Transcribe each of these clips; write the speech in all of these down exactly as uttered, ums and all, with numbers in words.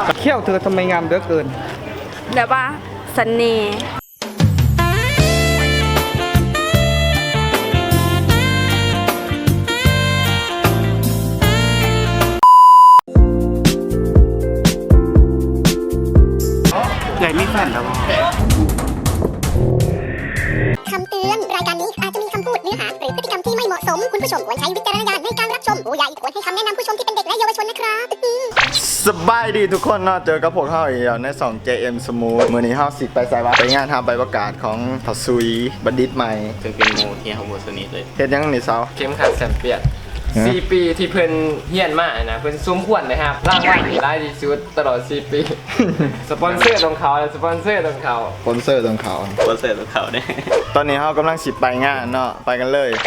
เขี้ยวเธอทำไมงามเหลือเกินแบบว่าเสน่ห์ใหญ่ไม่แฟนแล้วคำเตือนรายการนี้อาจจะมีคำพูดเนื้อหาหรือพฤติกรรมที่ไม่เหมาะสมคุณผู้ชมควรใช้วิจารณญาณในการรับชมผู้ใหญ่ควรให้คำแนะนำผู้ชมที่เป็นเด็กและเยาวชนนะครับสบายดีทุกคนเนาะเจอกับพวกเขาอีกแล้วในสอง เจ เอ็ม Smooth มื้อนี้เฮาสิไปใส่ว่าไปงานทำใบประกาศของทัศซุยบัณฑิตใหม่ซึ่งเป็นโมเฮียของโมสนิทเลยเฮ็ดยังนี่เซาเข้มขัดแสนเปียดสี่ปีที่เพิ่นเฮียนมานะเพิ่นซุ้มขวัญนะครับรางวัลได้ดีสุดตลอดสี่ปี สปอนเซอร์ของเขาสปอนเซอร์ของเขาสปอนเซอร์ตรงเขาสปอนเซอร์ของเขาเนี่ยตอนนี้เฮากำลังสิไปงานเนาะไปกันเลย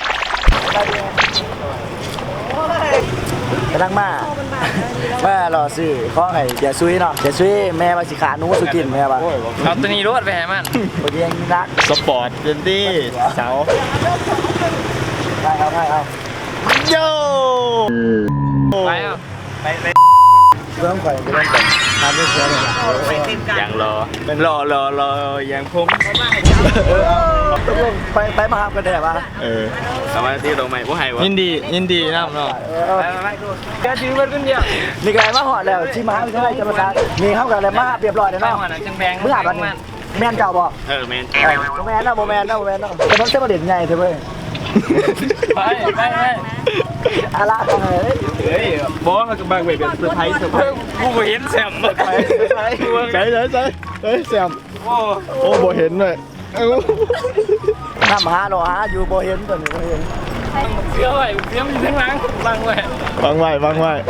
กำลังมาแม่รอซื้อข้อไอ้เดี๋ยวซุยเนาะเดี๋ยวซุยแม่มาสิขาหนูสุกินแม่ป่ะเอาตัวนี้รวดไปให้มันโอเคยังรักสปอร์ตเจนดี้เสาได้เอาได้เอาโยไปเอาไปไปเริ่มก่อนเริ่มก่อนทำไม่เสียเลยอย่างรอรอรอรออย่างผมตกลงไปไปมาหากันได้ป่ะเออสวัสดีตรงใหม่ผู้ให้วะยินดียินดีนะเนาะไปไปไปแกถือมันคนเดียวนี่ไงมาหอดแล้วที่มหาวิทยาลัยธรรมศาสตร์มีเข้ากันแล้วมาเรียบร้อยแล้วไปเนาะหัวหนังเชียงแบงเมื่ออาบันแม่นเจ้าบอกเออแมนโมแมนนะโมแมนนะโมแมนนะแต่มันเส้นประเด็นไงเธอเว้ยไปไปไปอะไรกันเลยเฮ้ยบอสมันก็บางเวทเป็นเซอร์ไพรส์เซอร์ไพรส์กูเห็นแซมไปไปไปใส่ใส่ใส่เฮ้ยแซมโอ้โอ้บ่เห็นเลยเอ้าน้ำหาหรอฮะอยู่โบเห็นตัวนี้โบเห็นเสื้อไว้เสื้อมันอยู่ข้างหลังบังไว้วางไว้วางไว้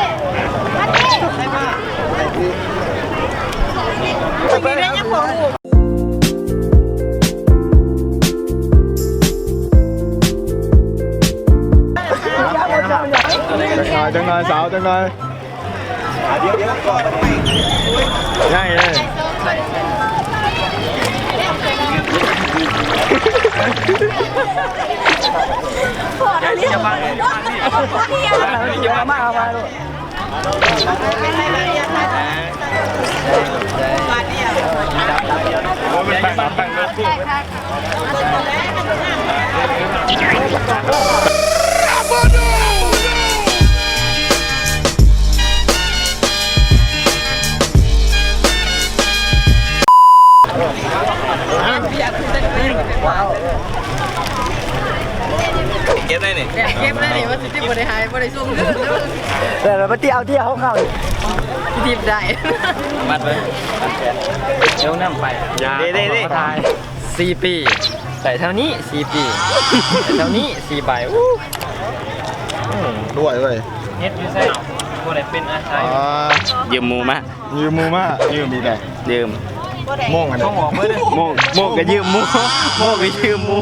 จังหน่อยจังหน่อยสาวจังหน่อยง่ายเลยอย่าบังอย่าบังอย่ามาเอามาลูกมันบังบังรถกูเก็บได้นี่เก็บได้นี่ว่าสิบริหารบริสุทธิ์ลื่นเดี๋ยวมาเที่ยวเที่ยวเขาเข้าดิบได้มัดไว้เดี๋ยวนั่งไปเด้เด้เด้สี่ปีแต่เท่านี้สี่ปีแต่เท่านี้สี่ใบอู้ด้วยเลยเฮ็ดอยู่ใส่บ่ได้เป็นอาชีพอ่ายืมมูมายืมมูมายืมดีแต่ยืมโม่งอันต้นี้องบอกเมื่อโมกโมกก็ยืมมูโมกก็ยืมมู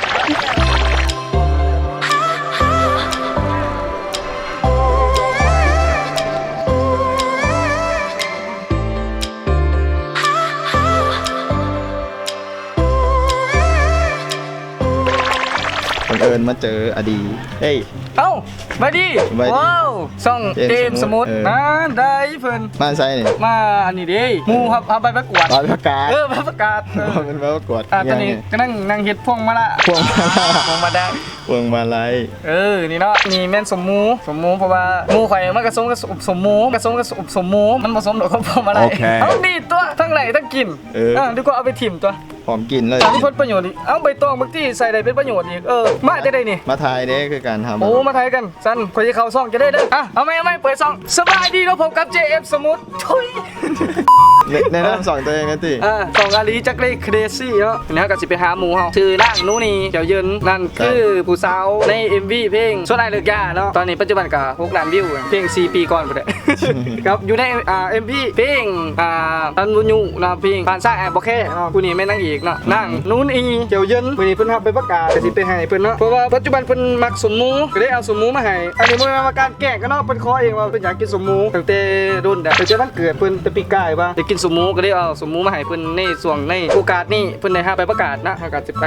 บังเอิญมาเจออดีเฮ้ยเอ้ามาดิมาดิว้าวซ่องเกเกมมสสมุมุดดเออนะได้เพิ่นมาใช่นี่มาอันนี้ดิหมูครับเอาไปประกวดตอนประกาศเออไปประกาศเออมันมาประกวดอ่ะตอนนี้ก็นั่งนั่งเฮ็ดพวงมาละพวงมาลัยพวงมาได้พวงมาลัยเออนี่เนาะนี่แม่นสมหมูสมหมูเพราะว่าหมูข่อยมันกระสมกับสมหมูกระสมกับสมหมูมันผสมดอกกับพวงมาลัยเอาดีตัวทั้งไหลทั้งกินเออดีกว่าเอาไปถิ่มตัวหอมกลิ่นเลยแต่ที่พ้นประโยชน์อีกเอาใบตองบางที่ใส่ได้เป็นประโยชน์อีกเออมาได้ได้นี่มาทายเด้คือการทำโอ้มาไทยกันสันคนที่เขาซ่องจะได้เด้ออ่ะเอาไหมเอาไหมเปิดซ่องสบายดีเราพบกับ เจ เอ็ม สมุทรทุยแนะนำสองตัวเองนะติอ่าสองอาลีจักเล่เครซี่เนาะเนี่ยก็สิไปหาหมูเฮาชื่อนั่งนู้นี่เดี๋ยวเยินนั่นคือผู้สาวใน เอ็ม วี เพลงส่วนไอเลิกยาเนาะตอนนี้ปัจจุบันก็หกล้านวิวเพลงสี่ปีก่อนพุ่นแหละ ครับอยู่ในอ่า เอ็ม วี เพลงอ่าตันบุญยูนะเพลงผ่านซ้ายแอบบ่แค่เนาะผู้นี้แม่นางเอกเนาะนั่งนู้นอีเดี๋ยวเยินมื้อนี้เพิ่นรับไปประกาศก็สิไปให้เพิ่นเนาะเพราะว่าปัจจุบันเพิ่นมักสมหมูก็ได้เอาสมหมูมาให้อันนี้บ่แม่นว่าการแกล้งกันเนาะเพิ่นขอเองว่าเพิ่นอยากกินสมหมูตั้งแต่รุ่นแต่เพิ่นวันเกิดเพิ่นแต่ปีกายว่าอยากกินสมหมูก็ได้เอาสมหมูมาให้เพิ่นในช่วงในโอกาสนี้เพิ่นได้หาไปประกาศนะประกาศสิไป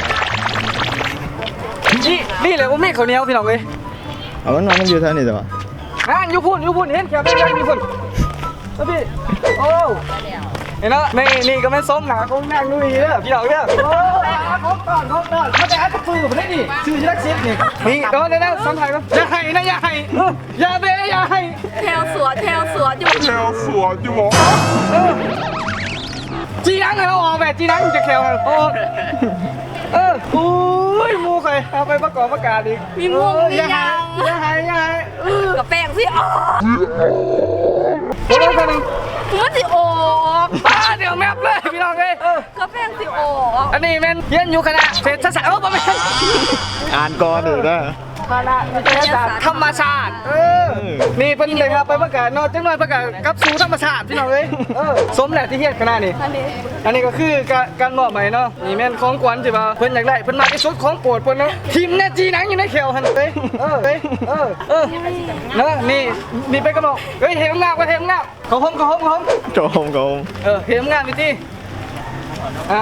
นี่นี่แหละว่ามีข้าวเหนียวพี่น้องเอ้ยเอามันนอนมันอยู่เท่านี้แต่ว่าอ่านอยู่พุ่นอยู่พุ่นเห็นแค่เป็นยังอยู่พุ่นเอาพี่โอ้เห็นแล้วนี่นี่ก็ไม่ส้มหนาของนางนุ่ยเด้อพี่น้องเด้อโอ้ของก่อนของก่อนมาแต่อัดกระปือผมได้นี่ชื่อยักษ์ซิดนี่นี่โดนได้แล้วสัมผัสก็อย่าให้นะอย่าให้อย่าเบอย่าให้แถวสวนแถวสวนอยู่เออจีนังไงเราออกแบบจีนังจะแควโอ้เออโอ้ยมูใครเอาไปประกอบประกาศอีกมีมุงมีอย่าให้ยังอย่าให้อย่าให้เออกับแป้งสิออกโอ้ยคนหนึ่งมันสิออกป้าเดี๋ยวแมปเลยพี่น้องเลยเออกับแป้งสิออกอันนี้แม่นเรียนอยู่คณะเศรษฐศาสตร์เออประมาณอ่านก่อนเด้อนะคณะวิทยาศาสตร์ธรรมชาติเออนี่เป็นเลยครับไปประกาศนอกจังหน่อยประกาศกับสู่ธรรมชาติพี่น้องเลยเออสมแหละที่เฮียนคณะนี่อันนี้อันนี้ก็คือการการมอบใหม่เนาะนี่แม่นของขวัญใช่ป่ะเพิ่นอยากได้เพิ่นมาที่สุดของโปรดเพิ่นเนาะทีมแน่จีหนังอยู่ในแขวหันเอ้ยเออเอ้ยเออเออเนาะนี่นี่เป็นกระบอกเฮ้ยเห็นงามก็เห็นงามขอหอมขอหอมขอหอมโกงโกงเออเห็นงามพี่ตี้อ่ะ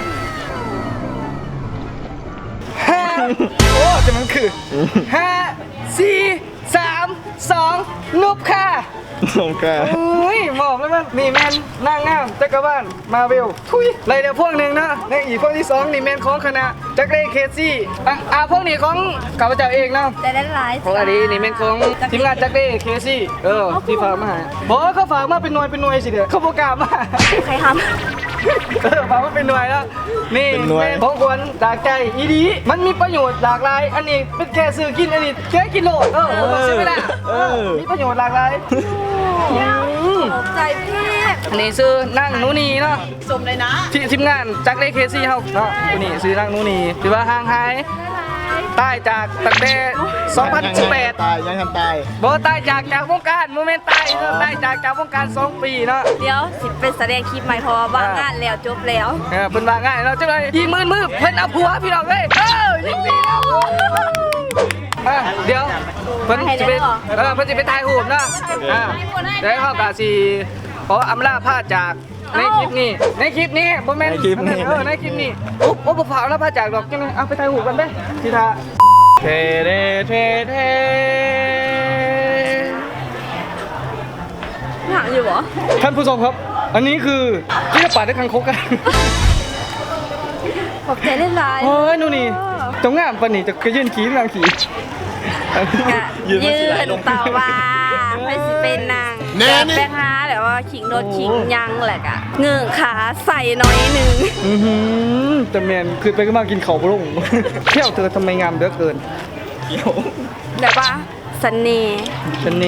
ห้าโอ้จะมันคือห้าสี่สามสองนุบค่ะโอเคอุ้ยหมอกแล้วมันนี่แมนนางงามจักรวาลมาเวลทุยไรเดี๋ยวพวกหนึ่งนะในอีกพวกที่สองนี่แมนของคณะจักรเรเคซี่อ่ะอ่ะพวกนี้ของข้าพเจ้าเองนะแต่ได้หลายของอันนี้นี่แมนของทีมงานจักรเรเคซี่เออที่ฝากมาหาบอกว่าเขาฝากมาเป็นหน่วยเป็นหน่วยสิเด้อเขาโปรแกรมมาใครทเออฝากมาเป็นหน่วยแล้วนี่แม่นของควรจากใจอีดีมันมีประโยชน์หลากหลายอันนี้เป็นแค่ซื้อกินอันนี้แค่กินโหลดเออใช่ไหมล่ะเออมีประโยชน์หลากหลายำตกใจพี่อันนี้ซื้อนั่งนูนีเนาะสมเลยนะที่ทีมงานจากเลเคซี่เฮาเนาะตัวนี้ซื้อนั่งนูนีถือว่าห่างหายใต้จากตั้งแต่สองพันสิบแปดตายยังทันตายบ่ใต้จากจากวงการโมเมนต์ใต้เนาะใต้จากจากวงการสองปีเนาะเดี๋ยวสิเป็นแสดงคลิปใหม่เพราะว่าว่างงานแล้วจบแล้วเออเพิ่นว่าง่ายเนาะจังเลยอีมือมือเพิ่นเอาผัวพี่น้องเอ้ยเออยิงดีแล้วอ่ะเดี๋ยวเพิ่นสิไปเออเพิ่นสิไปถ่ายรูปเนาะอ่าเดี๋ยวเฮาก็สิขออำลาพาจากในคลิปนี้ในคลิปนี้บ่แม่นในคลิปนี้เออในคลิปนี้โอ้โอ้บ่ฝากแล้วพาจากดอกจังเลยเอาไปถ่ายรูปกันเด้สิท่าเทเดเทเทหนักอยู่เหรอท่านผู้ชมครับ อันนี้คือที่จะปาดด้วยคังคกกันขอบใจเล่นไลน์โอ้ยนู่นนี่จงงามปานนี่จะกระยื่นขี้นางขี้ยืนต่อว่าไปสิเป็นนางแบบแป้งฮาแบบว่าขิงโดนขิงยังแหละกะเงือกขาใส่น้อยหนึ่งอือหือแต่แมนคือไปก็มากินเขาพระองค์ เที่ยวเธอทำไมงามเหลือเกินแบบว่าเสน่ห์ชนนี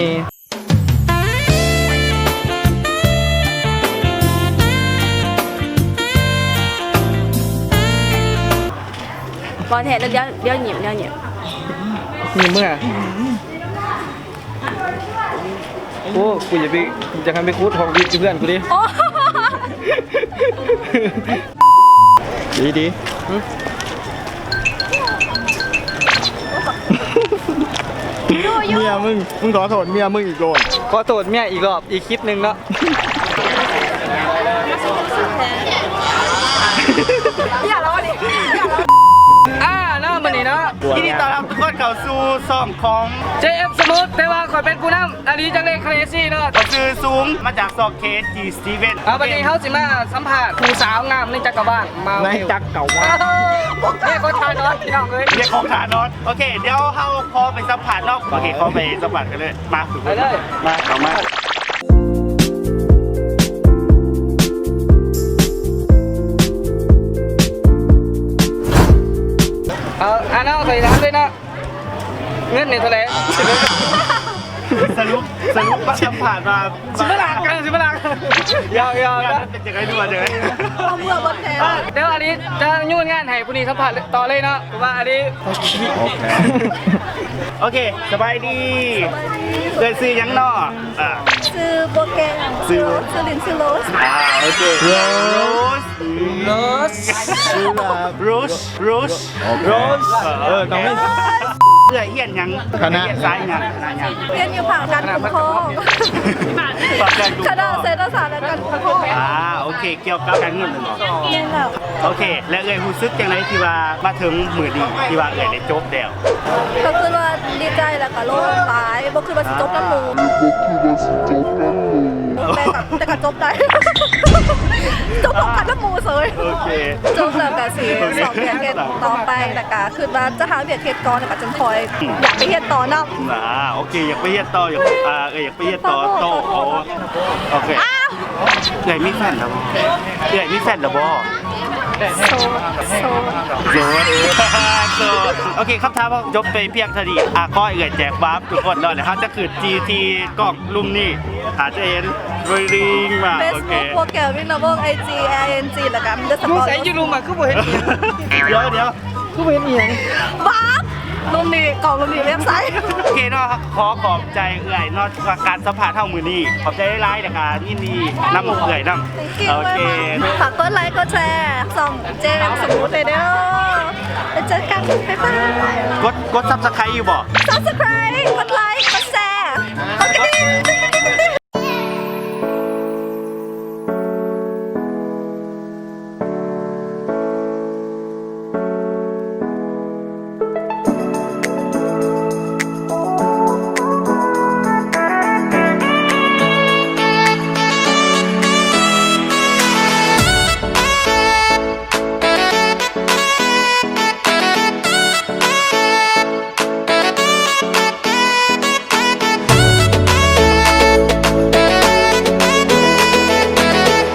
บอลแทนแล้วเดี๋ยวเดี๋ยวหยิบเดี๋ยวหยิบมีเมื่อโอ้กูอย่าไปจะทำไปคูดทองดีกับเพื่อนกูดิโอ้ดีดีเมียมึง มึงขอโทษเมียมึงอีกโดนขอโทษเมียอีกรอบอีกคลิปหนึ่งเนาะอย่าล้อดิอ่าเนาะมันนี่เนาะยินดีต้อนรับทุกคนเข้าสู่ซ่อมของเจ เอฟ สมูทแต่ว่าขอยเป็นผู้นำอันนี้จังเลยเครซี่เนาะซื้อสูงมาจากซอกเคสจีสตีเวนเอาวันนี้เขาสิมาสัมผัสผู้สาวงามในจักรวาลมาในจักรเก่าว่าเนี่ยเขาทานน้อยพี่น้องเลยเรียกของฐานอนโอเค เดี๋ยวเขาพอไปสัมผัสเนาะโอเคเขาไปสัมผัสกันเลย มาฝึกไปเลยมาเอามาเอาอันนั้นใส่ร้านด้วยนะเงินเนี่ยเท่าไหร่สรุปสรุปว่าสัมผัสมาสิบล้านกันสิบล้านยาวยาวนะเป็นยังไงดูมาเจอเอาเมื่อบอลแทนเดี๋ยวอันนี้จะยุ่งงานให้ผู้นี้สัมผัสต่อเลยเนาะเพราะว่าอันนี้โอเค สบายดีเกิดซื้อยังนออ่าซื้อโปรแกรมซื้อซื้อลินซื้อโรสอ่าโอเคโรสโรสโรสโรสโรสเออต้องไม่เพื่อเฮียนยังคณะเฮียนซ้ายยังคณะยังเรียนอยู่ผังการปกครองฝากการดูคณะเศรษฐศาสตร์และการปกครองอ่าโอเค เกี่ยวกับการเงินเลยเหรอเรียนแล้วโอเค และเอ่ยรู้สึกยังไงที่ว่ามาถึงมือดีที่ว่าเอ่ยได้จบแล้วก็คือว่าดีใจแล้วก็โล่งหลายบ่คือว่าสิจบน้ำหมูแต่กับแต่ก็จบได้จบพร้อมกันน้ำมูเสยโอเคจบแล้วก็สิสองเดือนเฮ็ดต่อไปแต่ก็คือว่าจะหาเวียดเฮ็ดก่อนแต่ก็จังคอยอยากไปเฮ็ดต่อเนาะอ่าโอเคอยากไปเฮ็ดต่ออยากอ่าเอออยากไปเฮ็ดต่อโตโอ้โอเคเอ้ยมีแฟนแล้วบ่เอ้ยมีแฟนแล้วบ่โซโซโสดโสดโอเคคำถามว่าจบไปเพียงเท่านี้อ่ะก็เอ่ยแจกบัฟทุกคนเนาะเดี๋ยวเขาจะขึ้น จี ที กล้องลุ่มนี่อาจจะเห็นริงมาเฟซโอเคบุ๊กโปรแกรมวินนาเบิลไอจีไอเอ็นจีแล้วก็มันจะสมึปงอยใส่ยูรูมาคือบ่เห็นอีหยังเดี๋ยวเดี๋ยวคือบ่เห็นอีหยังบ้าลุงนี่กล่องลุงนี่เว็บไซต์โอเคเนาะขอขอบใจเอื่อยเนาะกับการสัมผัสเท่ามือนี้ขอบใจไลน์ในการยินดีนำเอื่อยนำโอเคฝากกดไลค์กดแชร์ส่องเจมสมูทเลยเด้อไปเจอกันบ๊ายบายกดกดซับสไครต์อยู่บ่ Subscribe กดไลค์กดแชร์กดกระดิ่ง